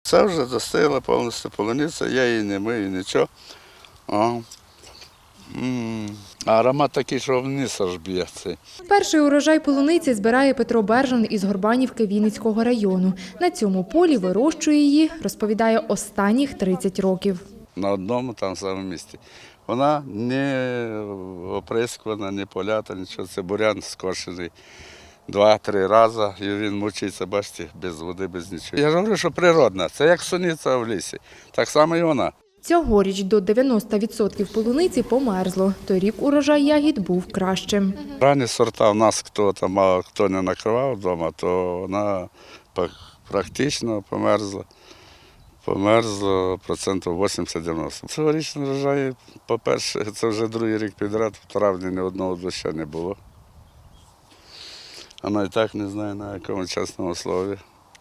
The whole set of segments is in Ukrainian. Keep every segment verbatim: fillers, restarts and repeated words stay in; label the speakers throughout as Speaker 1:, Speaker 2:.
Speaker 1: Це вже достигла повністю полуниця, я її не мию, нічого. О. М. А аромат такий, що вниз аж б'є цей.
Speaker 2: Перший урожай полуниці збирає Петро Бержан із Горбанівки Вінницького району. На цьому полі вирощує її, розповідає, останніх тридцять років.
Speaker 1: На одному там самому місці. Вона не оприскувана, не полята, нічого. Це бурян скошений два-три рази, і він мучиться, бачите, без води, без нічого. Я ж говорю, що природна, це як суниця в лісі, так само і вона.
Speaker 2: Цьогоріч до дев'яноста відсотків полуниці померзло. Торік урожай ягід був кращим.
Speaker 1: Ранні сорта в нас, хто там мало, хто не накривав вдома, то вона практично померзла. Померзло процентів вісімдесят-дев'яносто. Цьогорічний врожай, по-перше, це вже другий рік підряд, в травні ні одного дощу не було. Вона і так не знає, на якому чесному слові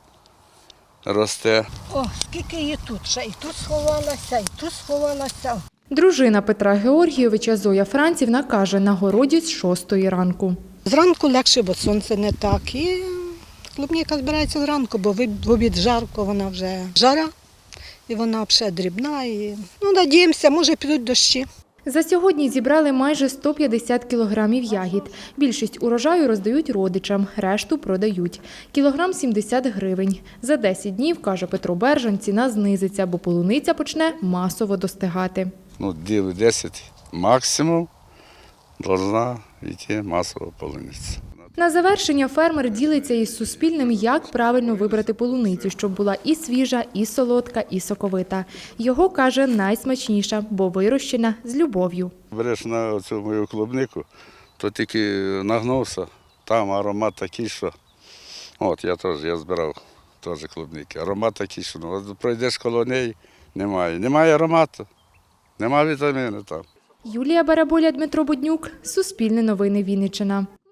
Speaker 1: росте.
Speaker 3: О, скільки її тут, ще і тут сховалася, і тут сховалася.
Speaker 2: Дружина Петра Георгійовича Зоя Францівна каже, на городі з шостої ранку.
Speaker 3: Зранку легше, бо сонце не так. І клубніка збирається зранку, бо в обід жарко, вона вже жара, і вона вже дрібна. І... Ну, надіємося, може підуть дощі.
Speaker 2: За сьогодні зібрали майже сто п'ятдесят кілограмів ягід. Більшість урожаю роздають родичам, решту продають. Кілограм сімдесят гривень. За десять днів, каже Петро Бержан, ціна знизиться, бо полуниця почне масово достигати.
Speaker 1: Ну, діли десять максимум, повинна йти масова полуниця.
Speaker 2: На завершення фермер ділиться із Суспільним, як правильно вибрати полуницю, щоб була і свіжа, і солодка, і соковита. Його, каже, найсмачніша, бо вирощена з любов'ю.
Speaker 1: Береш на цю мою клубнику, то тільки нагнувся, там аромат такий, що... От, я теж, я збирав теж клубники. Аромат такий, що ну, пройдеш коло неї, немає. Немає аромату, немає вітаміну там.
Speaker 2: Юлія Бараболя, Дмитро Буднюк, Суспільне новини Вінниччина.